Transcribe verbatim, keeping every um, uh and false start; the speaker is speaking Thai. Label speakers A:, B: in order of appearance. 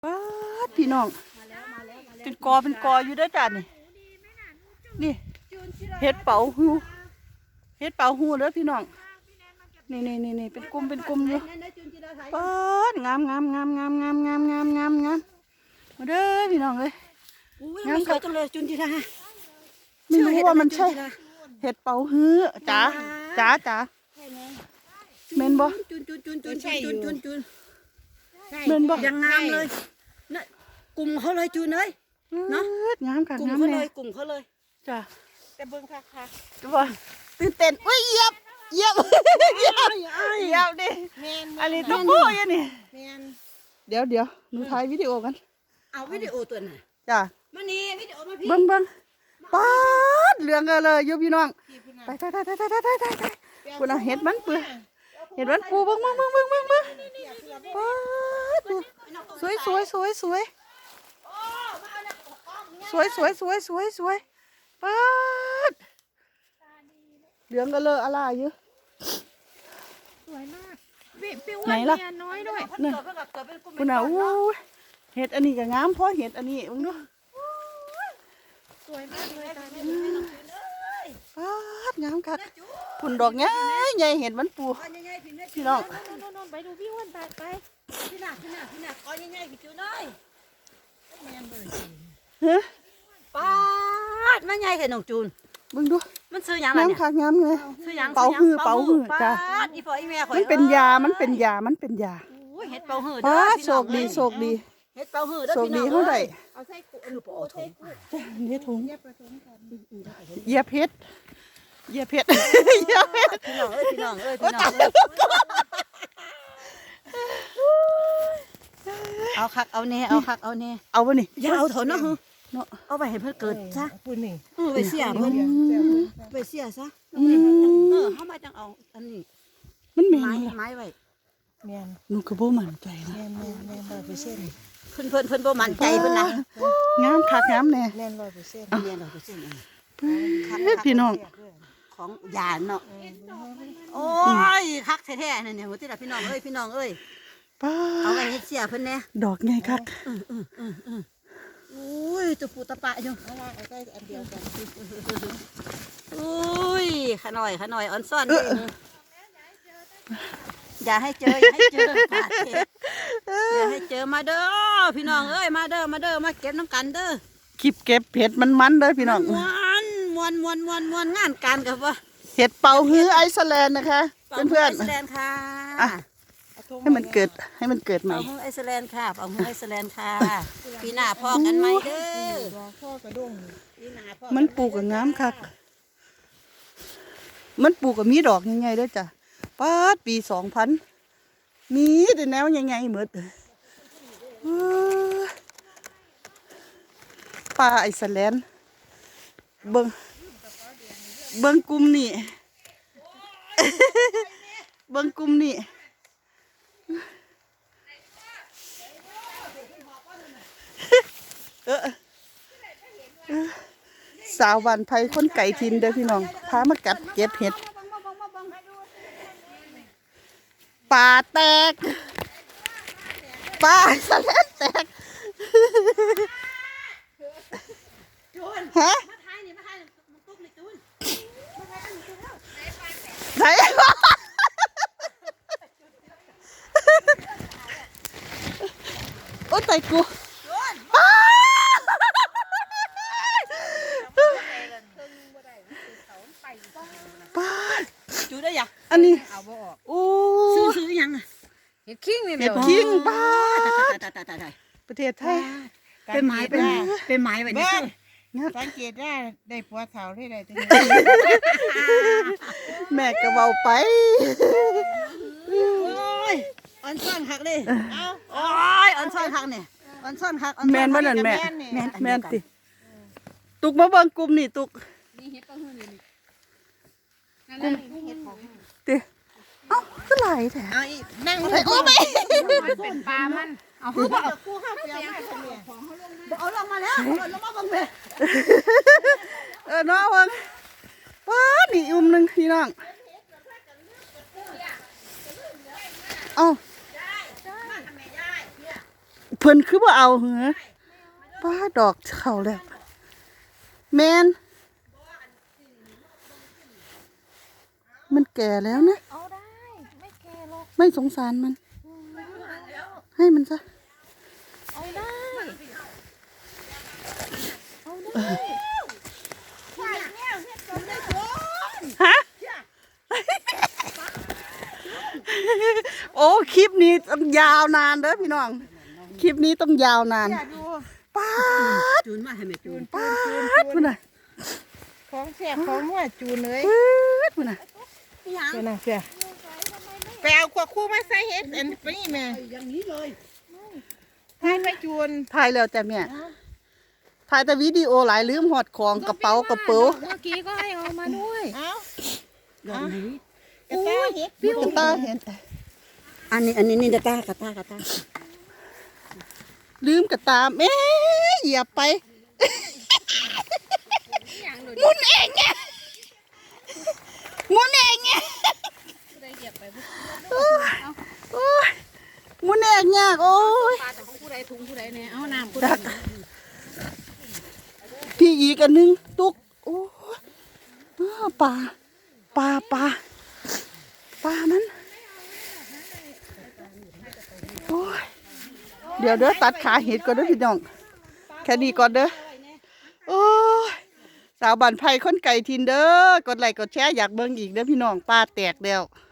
A: ป๊าดพี่น้องเป็นกอเป็นกออยู่ด้วยจ้ะนี่นี่เห็ดเป๋าหูเห็ดเป๋าหูเด้อพี่น้องนี่นี่นี่นี่เป็นกลุ่มเป็นกลุ่มอยู่ป๊าดงามงามงามงามงามงามงามงามงามมาเด้อพี่น้องเลย
B: งามจังเลยจุนจิรา
A: ไม่รู้ว่ามันใช่เห็ดเป๋าฮื้อจ๋าจ๋าจ๋าเมนบ่
B: จุนจุนจุนจุนจุนจุนจุน
A: เมนบ่
B: ยังงามเลยนะกลุ่มเขาเลยจุนเลยเนาะ
A: งามค่ะ
B: กลุ่มเขาเลยกลุ่มเขาเลย
A: จ้า
B: แต่เบิ้งค่ะค่ะ
A: ว่าตื่นเต้นอุ้ยเหยียบเหยียบเหยียบเหยียบดิอันนี้ต้องพูดยังนี่เดี๋ยวเดี๋ยวหนูถ่ายวิดีโอกัน
B: เอาวิดีโอตัวไหน
A: จ้า
B: มานี่วิดีโอมาพี่
A: เบิ้งเบิ้งป๊าดเหลืองกันเลยยุพี่น้องไปไปไปไปไปไปไปไปคุณเอาเห็ดมันเปื่อยเห็ดมันปูเบิ้งเบิ้งเบิ้งเบิ้งเบิ้งเบิ้งป๊าดสวยสวยสวยสวยสวยสวยสวยสวยสวยป๊าดเหลืองกันเลยอะไรอยู่
C: สวยมากไหนล่ะน้อยด้วย
A: เนี่ยคุณเอาเห็ดอันนี้ก็งามเพราะเห็ดอันนี้มึงดู
C: สวยมากเลยตาเนี่ย
A: ป๊าดงามคักผุนดอกใหญ่ใหญ่เห็ดมันปูพี่น้อง
C: ไปดูพี่อ้วนไปไป
B: พี่หนักพี่หนักพี่หนักก้อนใหญ่ๆพี่จูน้อย
A: ฮะ
B: ป๊าดมันใหญ่แค่หนองจูน
A: มึงดู
B: มันซื้อยัง
A: ไงเนี่ยงามคักงามเลย
B: ซื้อยัง
A: เป่าหื้อเป่าหื้อจ้า
B: อีพ่ออีแม่ข่อย
A: มันเป็นยามันเป็นยามันเป็นยา
B: เห็ดเป่าหื้อ
A: ป๊าดโชคดีโชคดี
B: เห็ดเป่าหื้อเด้อ
A: โชค
B: พี่น้อง
A: ดีเท่าไหร่
C: เอาใส่กุ
B: คือปอถุง
A: นี่ถุง
C: เย็บผสมกัน
A: เหยียบเพชรเหยียบเพชรเหยียบเพชร
B: พี่น้องเอ้ยพี่น้องเอ้ยพี่น้องเอาคักเอาเน่เอาคักเอาเน่
A: เอาวะนี่
B: อย่าเอาเถอะเนาะเนาะเอาไปให้เพิ่นเกิดซะ
C: ปุ่นนี่
B: ไปเสียเพิ่นไปเสียซะเออเฮามาจังเอาอันนี้
A: มันเหม็น
B: ไม้
A: เลย
B: ไม้ไว้
C: แม่น
A: หนูก็บ่มั่นใจนะ
C: แม่นแม่นแม่นร้อยเปอร์เซ็นต์
B: เพิ่นเพิ่นเพิ่นบ่มั่นใจเพิ่นนะ
A: งามคักงามแน่
C: แม่นร้อยเปอร์เซ็นต์
B: แม่นร้อยเปอร์เซ็นต์
A: พี่น้อง
B: ของยาเนาะโอ้ยคักแท้ๆนั่นเนี่ยหัวติล่ะพี่น้องเอ้ยพี่น้องเอ้ย
A: ป้า
B: เอาไปเฮ็ดเสียเพิ่นแน่
A: ดอกไงคัก
B: อุ้ยตัวปูตะปะอยู่
C: เอาว่าเอาใส่อันเดียวกัน
B: อุ้ยขน่อยขน่อยอ่อนซ่อนเด้อย่าให้เจออย่าให้เจออย่าให้เจอมาเด้อพี่น้องเอ้ยมาเด้อมาเด้อมาเก็บน้ำกันเด้อ
A: คลิปเก็บเห็ดมันมันเลยพี่น้อง
B: มวนมวนมวนมวนมวนงานการกับว่า
A: เห็ดเป่าฮื้อไอซ์แลนด์นะคะเพื่อน
B: ๆไอซ์แลนด์ค่ะ
A: ให้มันเกิดให้มันเกิดใหม่
B: เอาฮื้อไอซ์แลนด์ค่ะเอาฮื้อไอซ์แลนด์ค่ะปีหน้าพ่อกันใหม่เด้อ
C: พ่อกระด้ง
A: มันปลูกกับงามคักมันปลูกกับมีดอกยังไงด้วยจ้ะป้าปีสองพันมีแต่แนวยังไงเหมือนป่าไอซ์แลนด์เบิ้งเบิ้งกลุ่มนี่เบิ้งกลุ่มนี่เออสาววันไทยคนไก่ทินเด้อพี่น้องพามากัดเก็บเห็ดป่าแตกป่าสะเลแตกฮะไหนโอ้ตายกูป้า
B: จูได้ยัง
A: อันนี้
C: เอาบ่ออก
A: โอ้
B: ซื้อซื้อยัง
C: เห็ดขิงนี่
A: เห็ดขิงป้าประเทศไทย
B: เป็นไม้เป็นเป็นไม้แบบนี้
C: สังเกตได้ได้ผัวเฒ่าที่ใดตรงนี้
A: แม่ก็เบาไป
B: โอ้ยอ่อนซ่อนคักเลยเอาโอ้ยอ่อนซ่อนคักเนี่ยอ่อนซ่อนคัก
A: แม่นบ่นั่นแม่แม่นแม่นติตุกมาเบิ่งกลุ่มนี่ตุก
C: นี่เห็ดก็หื้อนี่นั่นนี่เห็ดของ
A: ติเอ้าคือหลายแท้
C: เอาอีนั่งโอ้
A: ไม่
C: เป็นปลามัน
B: เอาคือบ่เอากูห้าเปียมาเอาลงมาแล้วเอาลงมาบังเบ
A: เออน้องเบิ่งว้านี่อุ้มนึงพี่น้องเอ้าเพิ่นคือบ่เอาเหรอป้าดอกเข้าแล้วแมนมันแก่แล้วนะ
C: เอาได้ไม่แก่หรอก
A: ไม่สงสารมัน ให้มันซะ
C: เอาได้เอาได้
A: ฮะ โอ้คลิปนี้ต้องยาวนานเด้อพี่น้อง คลิปนี้ต้องยาวนานป้าด
B: จูนมาให้แม่จูน
A: ป้าดพุ่นน่ะ
C: ของเสียของหัวจูนเลย
A: ปื๊ดพุ่นน่ะ
C: เสียนะเสียไปเอาขวดคู่มาใส่เฮ็ดอันนี้แม่
B: อย่างนี้เลย
C: ให้ไปจูน
A: ถ่ายแล้วจ้ะแม่ถ่ายแต่วิดีโอหลายลืมหอดของกระเป๋ากระเป๋า
C: เมื่อกี้ก็ให้เอามาด้วยเอ้า
B: ดอกนี้
C: กระต่ายเฮ็ดปิ้ว
A: กระตาเห็น
B: อันนี้อันนี้นี่กระตากระตากระตา
A: ลืมกระตามเอ๊ะเหยียบไปหมุนเองไงหมุนเองไงโอ้ยโอ้ยหมุนเองยากโอ้ย
C: ปลาแต่ของผู้ใดถุงผู้ใดเนี่ยเอาน้ำผู้
A: ดักพี่อีกอันหนึงตุกโอ้ยอ้าวปลาปลาปลาปลามันโอ้ยเดี๋ยวเด้อตัดขาเห็ดก่อนเด้อพี่น้องแค่นี้ก่อนเด้อโอ้ยสาวบ้านไผ่คนไก่ทินเด้อกดไลค์กดแชร์อยากเบิ่งอีกเด้อพี่น้องปลาแตกแล้ว